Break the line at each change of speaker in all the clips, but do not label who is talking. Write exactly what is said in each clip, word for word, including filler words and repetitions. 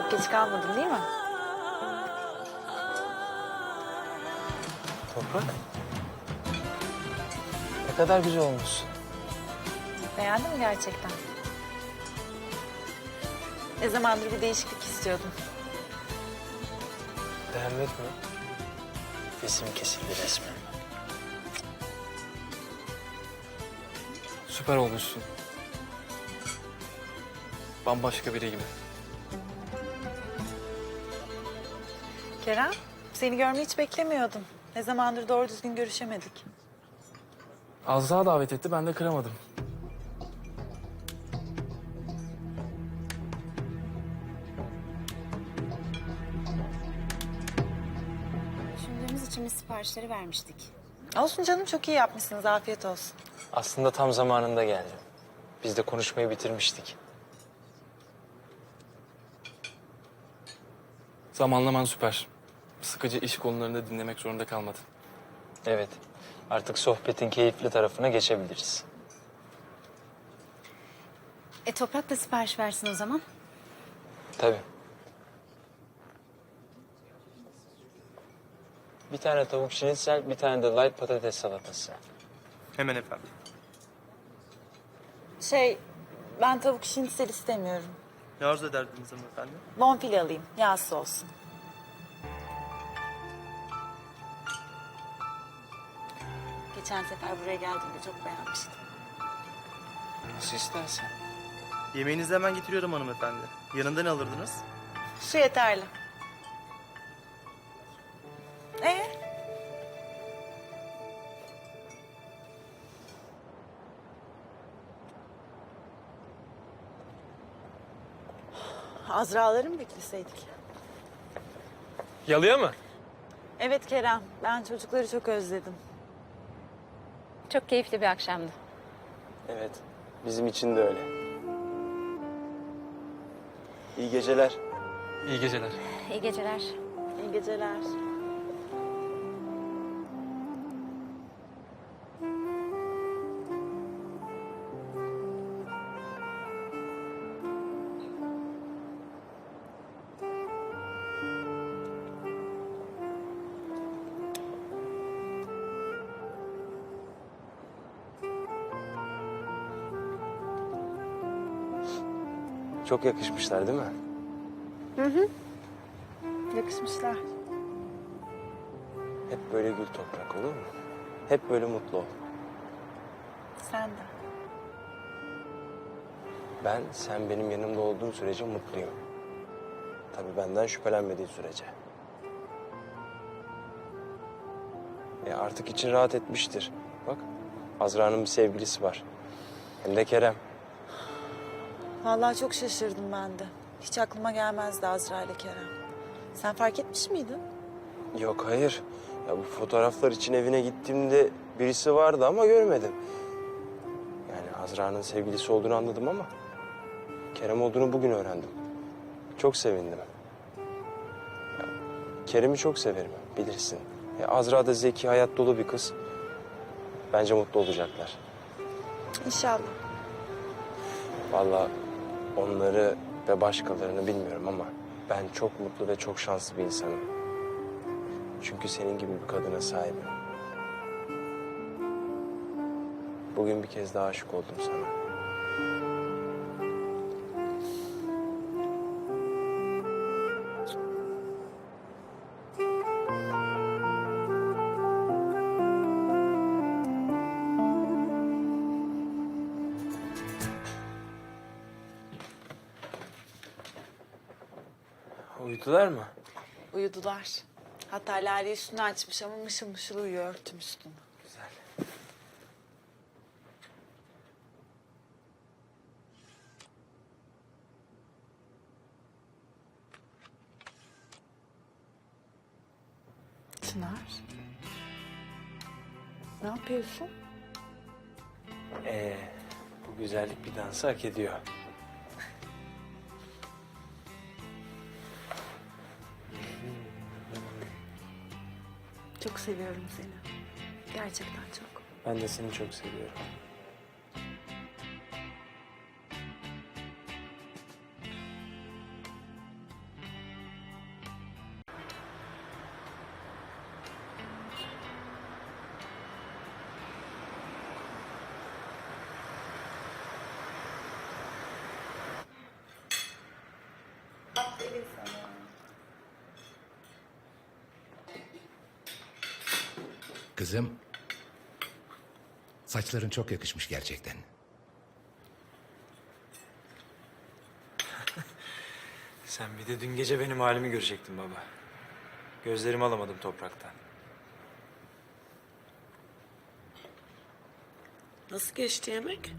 Çok geç kalmadın değil mi?
Toprak. Ne kadar güzel olmuşsun.
Beğendin mi gerçekten? Ne zamandır bir değişiklik istiyordum.
Beğenmek mi? Resim kesildi resmen. Süper olmuşsun. Bambaşka biri gibi.
Kerem, seni görmeyi hiç beklemiyordum. Ne zamandır doğru düzgün görüşemedik.
Azra davet etti, ben de kıramadım.
Düşündüğümüz için biz siparişleri vermiştik.
Olsun canım, çok iyi yapmışsınız. Afiyet olsun.
Aslında tam zamanında geldim. Biz de konuşmayı bitirmiştik. Zamanlaman süper. Sıkıcı iş konularını dinlemek zorunda kalmadın. Evet. Artık sohbetin keyifli tarafına geçebiliriz.
E Toprak da sipariş versin o zaman.
Tabii. Bir tane tavuk şinitzel, bir tane de light patates salatası.
Hemen efendim.
Şey, ben tavuk şinitsel istemiyorum.
Ne arzu ederdiniz hanımefendi?
Bonfile alayım, yağsız olsun. Geçen sefer buraya geldiğimde çok beğenmiştim.
Nasıl istersen.
Yemeğinizi hemen getiriyorum hanımefendi. Yanında ne alırdınız?
Su yeterli. Ee? Azra'ları mı bekleseydik?
Yalıya mı?
Evet Kerem, ben çocukları çok özledim.
Çok keyifli bir akşamdı.
Evet, bizim için de öyle. İyi geceler.
İyi geceler.
İyi geceler.
İyi geceler.
Çok yakışmışlar değil mi?
Yakışmışlar.
Hep böyle gül toprak olur mu? Hep böyle mutlu ol.
Sen de.
Ben sen benim yanımda olduğun sürece mutluyum. Tabii benden şüphelenmediği sürece. E artık için rahat etmiştir. Bak, Azra'nın bir sevgilisi var. Hem de Kerem.
Vallahi çok şaşırdım ben de. Hiç aklıma gelmezdi Azra ile Kerem. Sen fark etmiş miydin?
Yok hayır. Ya bu fotoğraflar için evine gittiğimde birisi vardı ama görmedim. Yani Azra'nın sevgilisi olduğunu anladım ama Kerem olduğunu bugün öğrendim. Çok sevindim. Ya, Kerem'i çok severim, bilirsin. Ya, Azra da zeki, hayat dolu bir kız. Bence mutlu olacaklar.
İnşallah.
Vallahi onları ve başkalarını bilmiyorum ama ben çok mutlu ve çok şanslı bir insanım. Çünkü senin gibi bir kadına sahibim. Bugün bir kez daha aşık oldum sana.
Uyudular mı?
Uyudular. Hatta Lale üstünü açmış ama mışıl mışıl uyuyor örtüm üstünü.
Güzel.
Çınar. Ne yapıyorsun?
Ee, bu güzellik bir dansı hak ediyor.
Çok seviyorum seni. Gerçekten çok.
Ben de seni çok seviyorum.
Kızım, saçların çok yakışmış gerçekten.
Sen bir de dün gece benim halimi görecektin baba. Gözlerimi alamadım topraktan.
Nasıl geçti yemek?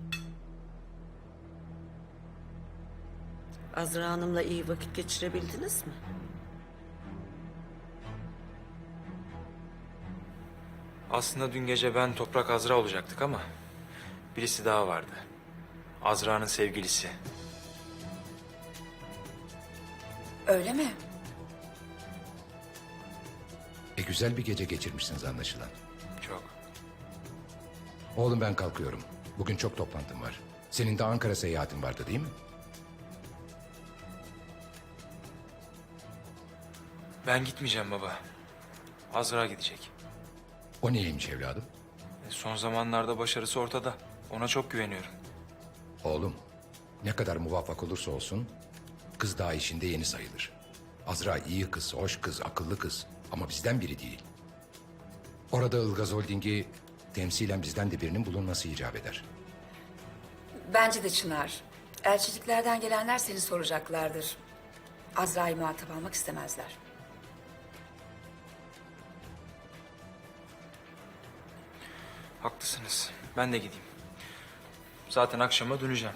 Azra Hanım'la iyi vakit geçirebildiniz mi?
Aslında dün gece ben Toprak Azra olacaktık ama birisi daha vardı. Azra'nın sevgilisi.
Öyle mi?
E güzel bir gece geçirmişsiniz anlaşılan.
Çok.
Oğlum ben kalkıyorum. Bugün çok toplantım var. Senin de Ankara seyahatin vardı değil mi?
Ben gitmeyeceğim baba. Azra gidecek.
O neymiş evladım?
E, Son zamanlarda başarısı ortada. Ona çok güveniyorum.
Oğlum, ne kadar muvaffak olursa olsun kız daha işinde yeni sayılır. Azra iyi kız, hoş kız, akıllı kız ama bizden biri değil. Orada Ilgaz Holding'i temsilen bizden de birinin bulunması icap eder.
Bence de Çınar. Elçiliklerden gelenler seni soracaklardır. Azra'yı muhatap almak istemezler.
Haklısınız. Ben de gideyim. Zaten akşama döneceğim.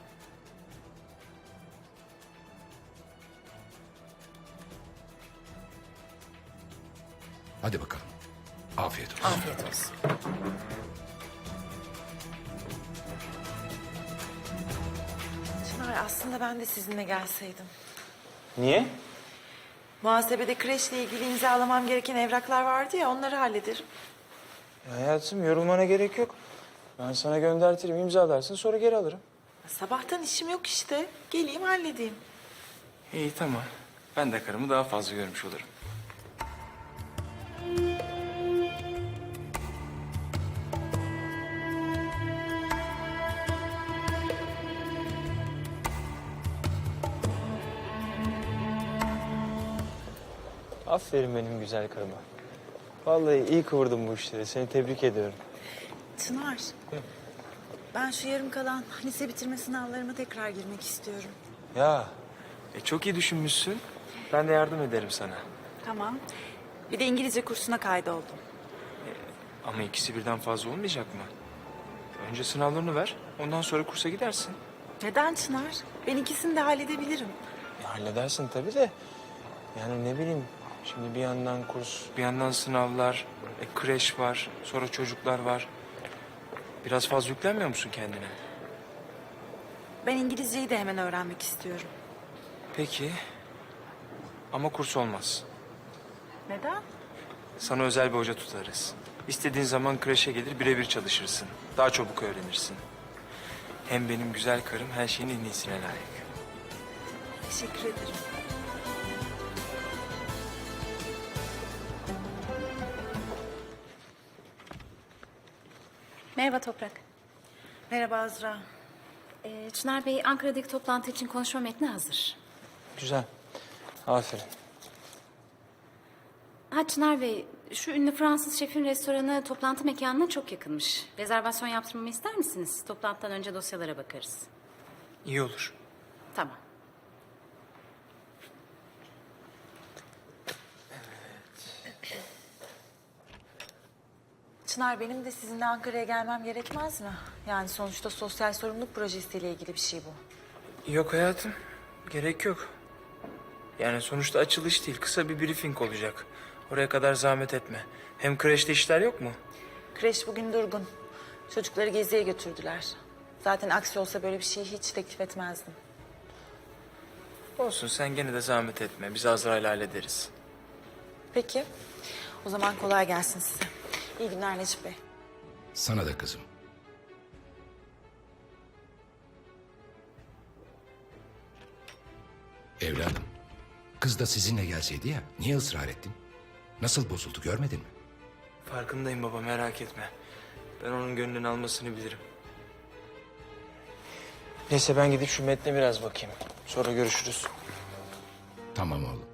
Hadi bakalım. Afiyet olsun.
Afiyet olsun.
Çınar aslında ben de sizinle gelseydim.
Niye?
Muhasebede kreşle ilgili imzalamam gereken evraklar vardı ya onları hallederim.
Hayatım yorulmana gerek yok. Ben sana göndertirim, imzalarsın sonra geri alırım.
Sabahtan işim yok işte. Geleyim halledeyim.
İyi tamam. Ben de karımı daha fazla görmüş olurum.
Aferin benim güzel karıma. Vallahi iyi kıvırdın bu işleri. Seni tebrik ediyorum.
Çınar. Ben şu yarım kalan lise bitirme sınavlarıma tekrar girmek istiyorum.
Ya
E, çok iyi düşünmüşsün. Ben de yardım ederim sana.
Tamam. Bir de İngilizce kursuna kaydoldum.
Ama ikisi birden fazla olmayacak mı? Önce sınavlarını ver. Ondan sonra kursa gidersin.
Neden Çınar? Ben ikisini de halledebilirim.
ya halledersin tabii de. Yani ne bileyim. Şimdi bir yandan kurs.
Bir yandan sınavlar, e, kreş var, sonra çocuklar var. Biraz fazla yüklenmiyor musun kendine?
Ben İngilizceyi de hemen öğrenmek istiyorum.
Peki. Ama kurs olmaz.
Neden?
Sana özel bir hoca tutarız. İstediğin zaman kreşe gelir birebir çalışırsın. Daha çabuk öğrenirsin. Hem benim güzel karım her şeyin en iyisine layık.
Teşekkür ederim.
Merhaba Toprak.
Merhaba Azra.
Ee, Çınar Bey Ankara'daki toplantı için konuşma metni hazır.
Güzel. Aferin.
Ha Çınar Bey, şu ünlü Fransız şefin restoranı toplantı mekanına çok yakınmış. Rezervasyon yaptırmamı ister misiniz? Toplantıdan önce dosyalara bakarız.
İyi olur.
Tamam.
Çınar benim de sizinle Ankara'ya gelmem gerekmez mi? Yani sonuçta sosyal sorumluluk projesiyle ilgili bir şey bu.
Yok hayatım. Gerek yok. Yani sonuçta açılış değil. Kısa bir briefing olacak. Oraya kadar zahmet etme. Hem kreşte işler yok mu?
Kreş bugün durgun. Çocukları geziye götürdüler. Zaten aksi olsa böyle bir şeyi hiç teklif etmezdim.
Olsun sen gene de zahmet etme. Biz Azra'yla hallederiz.
Peki. O zaman kolay gelsin size. İyi günler Necip Bey.
Sana da kızım. Evladım, kız da sizinle gelseydi ya, niye ısrar ettin? Nasıl bozuldu görmedin mi?
Farkındayım baba merak etme. Ben onun gönlünü almasını bilirim.
Neyse ben gidip şu metne biraz bakayım. Sonra görüşürüz.
Tamam oğlum.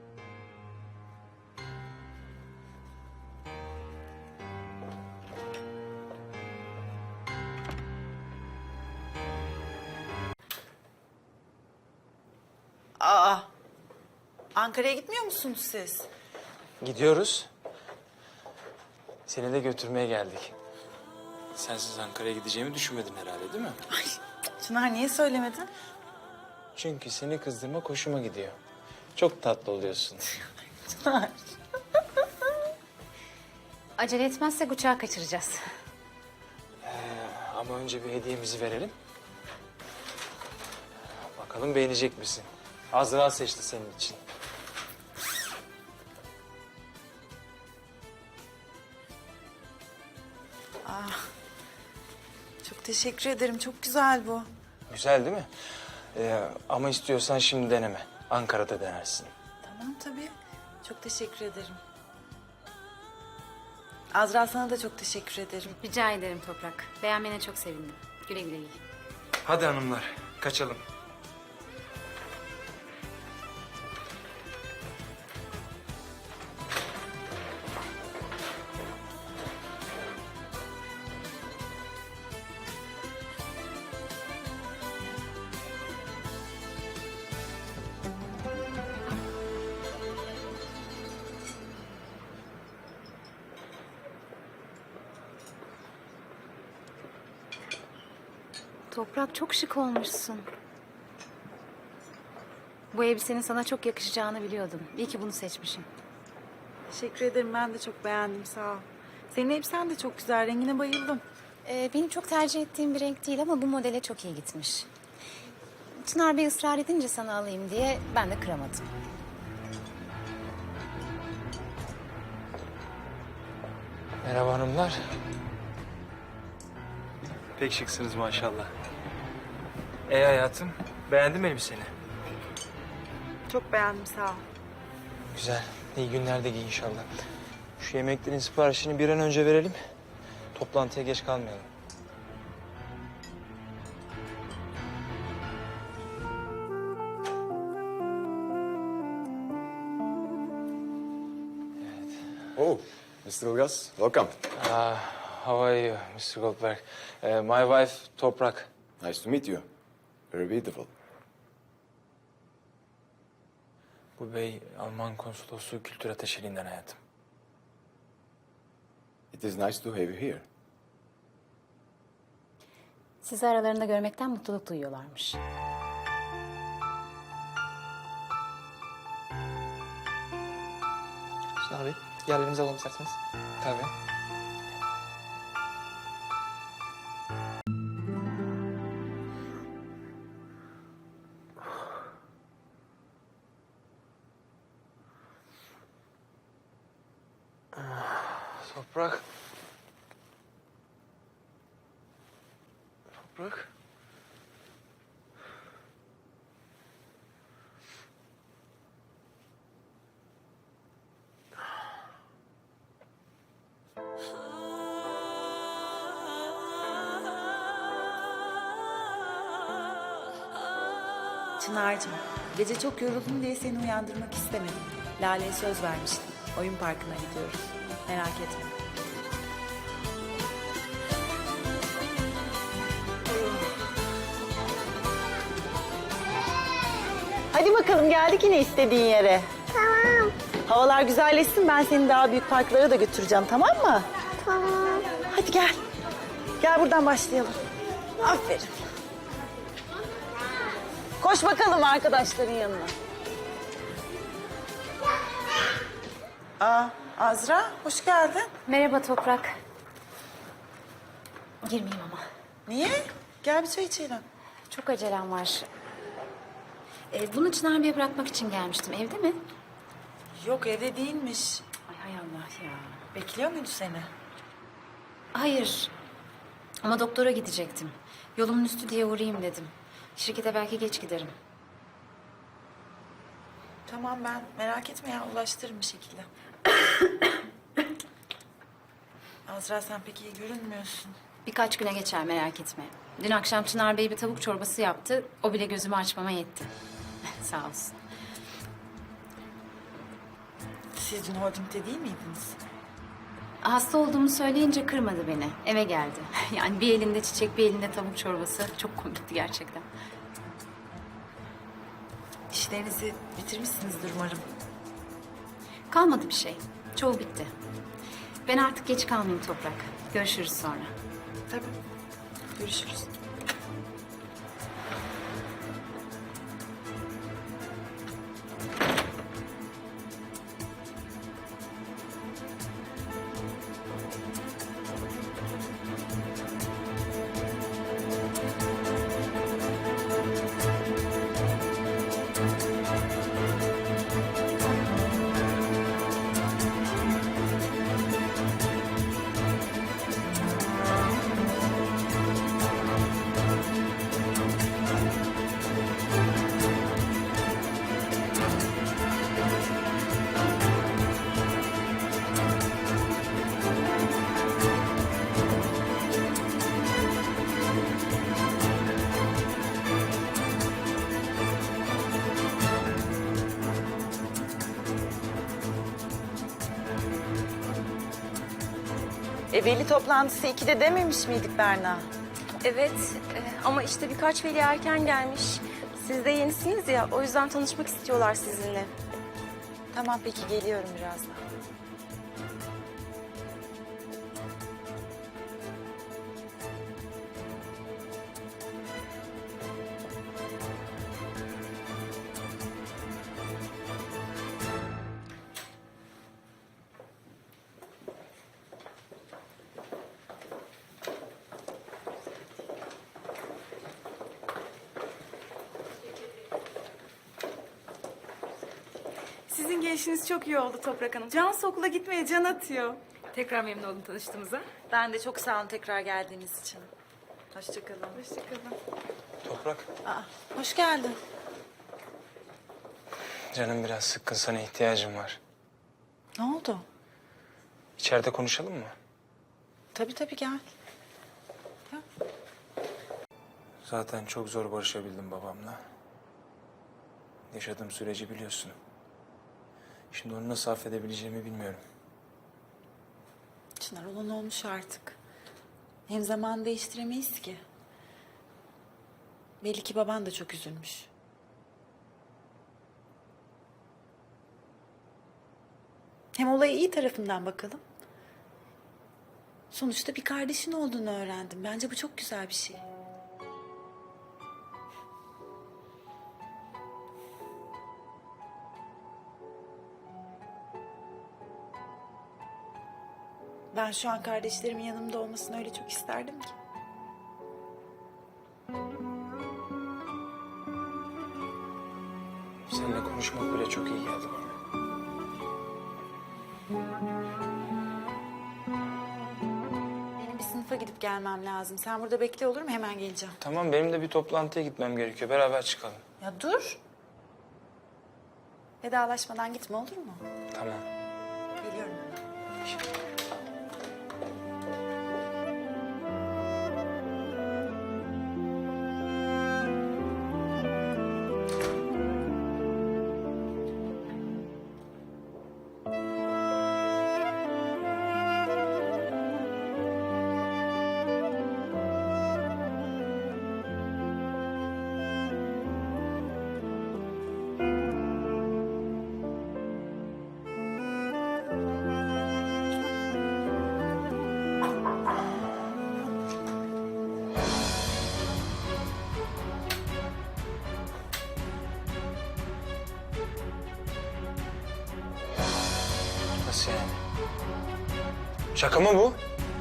Aa, Ankara'ya gitmiyor musunuz siz?
Gidiyoruz. Seni de götürmeye geldik. Sensiz Ankara'ya gideceğimi düşünmedin herhalde değil mi?
Çınar niye söylemedin?
Çünkü seni kızdırmak hoşuma gidiyor. Çok tatlı oluyorsun.
Çınar.
Acele etmezsek uçağı kaçıracağız.
Ama önce bir hediyemizi verelim. Bakalım beğenecek misin? Azra seçti senin için.
Çok teşekkür ederim. Çok güzel bu.
Güzel değil mi? Ee, ama istiyorsan şimdi deneme. Ankara'da denersin.
Tamam tabii. Çok teşekkür ederim. Azra sana da çok teşekkür ederim.
Rica ederim Toprak. Beğenmene çok sevindim. Güle güle giy.
Hadi hanımlar, kaçalım.
Toprak çok şık olmuşsun. Bu elbisenin sana çok yakışacağını biliyordum. İyi ki bunu seçmişim.
Teşekkür ederim. Ben de çok beğendim. Sağ ol. Senin elbisen de çok güzel. Rengine bayıldım.
Ee, benim çok tercih ettiğim bir renk değil ama bu modele çok iyi gitmiş. Çınar Bey ısrar edince sana alayım diye ben de kıramadım.
Merhaba hanımlar. Pek şıksınız maşallah. Ey hayatım, beğendin mi elbiseni?
Çok beğendim. Sağ ol.
Güzel, iyi günlerde giy inşallah. Şu yemeklerin siparişini bir an önce verelim. Toplantıya geç kalmayalım.
Oh, mister Ilgaz, welcome.
Uh, how are you, mister Goldberg? Uh, my wife, Toprak.
Nice to meet you. Very beautiful.
Bu bey Alman konsolosluğu kültür ateşeliğinden hayatım.
It is nice to have you here.
Sizi aralarında görmekten mutluluk duyuyorlarmış.
Çınar Bey, yerlerinizi alalım isterseniz. Tabii. Toprak. Toprak.
Çınar'cığım, gece çok yoruldum diye seni uyandırmak istemedim. Lale'ye söz vermiştim. Oyun parkına gidiyoruz. Merak etme. Hadi bakalım, geldik yine istediğin yere. Tamam. Havalar güzelleşsin, ben seni daha büyük parklara da götüreceğim, tamam mı? Tamam. Hadi gel. Gel buradan başlayalım. Aferin. Koş bakalım arkadaşların yanına. Aa, Azra, hoş geldin.
Merhaba Toprak. Girmeyeyim ama.
Niye? Gel bir çay içelim.
Çok acelem var. Ee, bunu Çınar Bey'e bırakmak için gelmiştim. Evde mi?
Yok, evde değilmiş.
Ay hay Allah ya.
Bekliyor muydu seni?
Hayır. Ama doktora gidecektim. Yolumun üstü diye uğrayayım dedim. Şirkete belki geç giderim.
Tamam, ben merak etme ya, ulaştırırım bir şekilde. Azra, sen pek iyi görünmüyorsun.
Birkaç güne geçer merak etme. Dün akşam Çınar Bey bir tavuk çorbası yaptı. O bile gözümü açmama yetti. Sağ olsun.
Siz dün holdingde değil miydiniz?
Hasta olduğumu söyleyince kırmadı beni. Eve geldi. Yani bir elinde çiçek, bir elinde tavuk çorbası. Çok komikti gerçekten.
İşlerinizi bitirmişsinizdir umarım.
Kalmadı bir şey. Çoğu bitti. Ben artık geç kalmayayım Toprak. Görüşürüz sonra.
Tabii. Görüşürüz. E veli toplantısı ikide dememiş miydik Berna?
Evet e, ama işte birkaç veli erken gelmiş. Siz de yenisiniz ya, o yüzden tanışmak istiyorlar sizinle.
Tamam peki geliyorum birazdan.
Sizin gelişiniz çok iyi oldu Toprak Hanım. Cansu okula gitmeye can atıyor.
Tekrar memnun oldum tanıştığımıza.
Ben de çok sağ olun tekrar geldiğiniz için. Hoşçakalın.
Hoşçakalın.
Toprak,
Aa, hoş geldin.
canım biraz sıkkın, sana ihtiyacım var.
Ne oldu?
İçeride konuşalım mı?
Tabii tabii gel. Gel.
Zaten çok zor barışabildim babamla. Yaşadığım süreci biliyorsun. Şimdi onu nasıl affedebileceğimi bilmiyorum.
Çınar olan olmuş artık. Hem zaman değiştiremeyiz ki. Belli ki baban da çok üzülmüş. Hem olaya iyi tarafından bakalım. Sonuçta bir kardeşin olduğunu öğrendim. Bence bu çok güzel bir şey. Ben şu an kardeşlerimin yanımda olmasını öyle çok isterdim ki.
Seninle konuşmak bile çok iyi geldi bana.
Benim bir sınıfa gidip gelmem lazım. Sen burada bekle olur mu? Hemen geleceğim.
Tamam, benim de bir toplantıya gitmem gerekiyor. Beraber çıkalım.
Ya dur. Vedalaşmadan gitme olur mu?
Tamam.
Geliyorum hemen.
Nasıl yani? Şaka mı bu?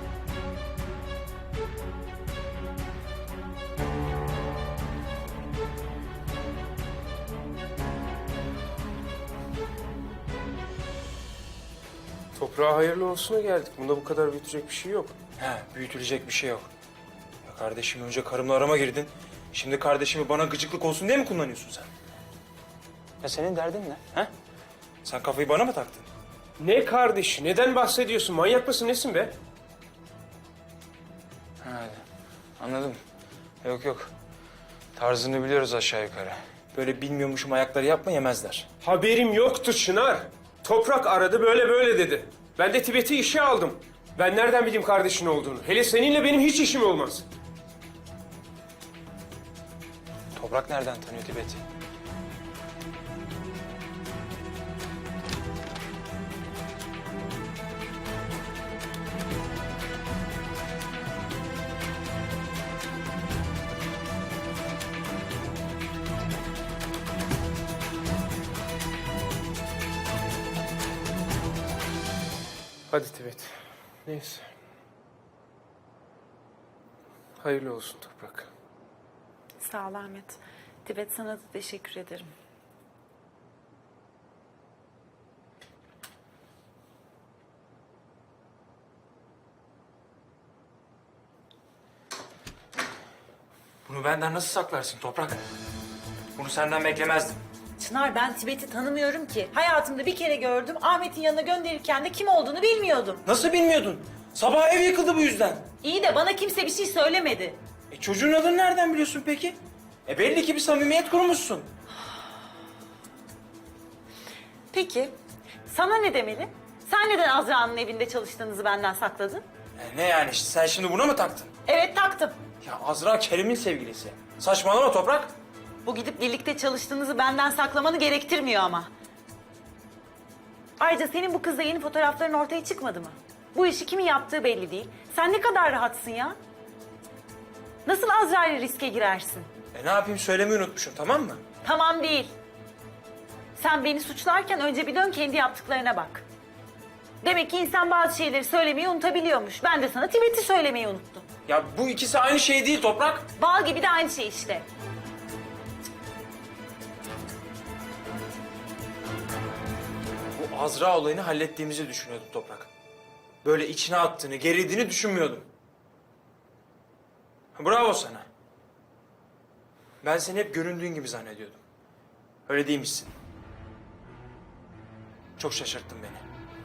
Toprağa hayırlı olsuna geldik. Bunda bu kadar büyütecek bir şey yok.
He, büyütülecek bir şey yok. Ya kardeşim, önce karımla arama girdin. Şimdi kardeşimi bana gıcıklık olsun diye mi kullanıyorsun sen? Ya senin derdin ne? He? Sen kafayı bana mı taktın?
Ne kardeş? Neden bahsediyorsun? Manyak mısın nesin be?
Ha, anladım. Yok yok. Tarzını biliyoruz aşağı yukarı. Böyle bilmiyormuşum ayakları yapma, yemezler.
Haberim yoktu Çınar.
Toprak aradı böyle böyle dedi. Ben de Tibet'i işe aldım. Ben nereden bileyim kardeşin olduğunu? Hele seninle benim hiç işim olmaz.
Toprak nereden tanıyor Tibet'i?
Hadi Tibet. Neyse. Hayırlı olsun Toprak.
Sağ ol Ahmet. Tibet, sana da teşekkür ederim.
Bunu benden nasıl saklarsın Toprak? Bunu senden beklemezdim.
Çınar, ben Tibet'i tanımıyorum ki. Hayatımda bir kere gördüm. Ahmet'in yanına gönderirken de kim olduğunu bilmiyordum.
Nasıl bilmiyordun? Sabah ev yıkıldı bu yüzden.
İyi de bana kimse bir şey söylemedi.
E çocuğun adını nereden biliyorsun peki? E belli ki bir samimiyet kurmuşsun.
Peki, sana ne demeli? Sen neden Azra'nın evinde çalıştığınızı benden sakladın?
E ne yani işte sen şimdi buna mı taktın?
Evet, taktım.
Ya Azra Kerim'in sevgilisi. Saçmalama Toprak.
Bu gidip birlikte çalıştığınızı benden saklamanı gerektirmiyor ama. Ayrıca senin bu kızla yeni fotoğrafların ortaya çıkmadı mı? Bu işi kimin yaptığı belli değil. Sen ne kadar rahatsın ya? Nasıl Azra ile riske girersin?
E ne yapayım söylemeyi unutmuşum tamam mı?
Tamam değil. Sen beni suçlarken önce bir dön kendi yaptıklarına bak. Demek ki insan bazı şeyleri söylemeyi unutabiliyormuş. Ben de sana Tibet'i söylemeyi unuttum.
Ya bu ikisi aynı şey değil Toprak.
Bal gibi de aynı şey işte.
Bu Azra olayını hallettiğimizi düşünüyordum Toprak. Böyle içine attığını, gerildiğini düşünmüyordum. Bravo sana. Ben seni hep göründüğün gibi zannediyordum. Öyle değilmişsin. Çok şaşırttın beni.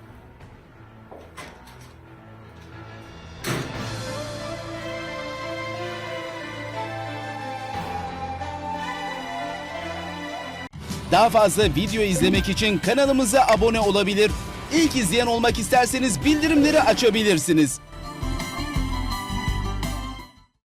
Daha fazla video izlemek için kanalımıza abone olabilir. İlk izleyen olmak isterseniz bildirimleri açabilirsiniz.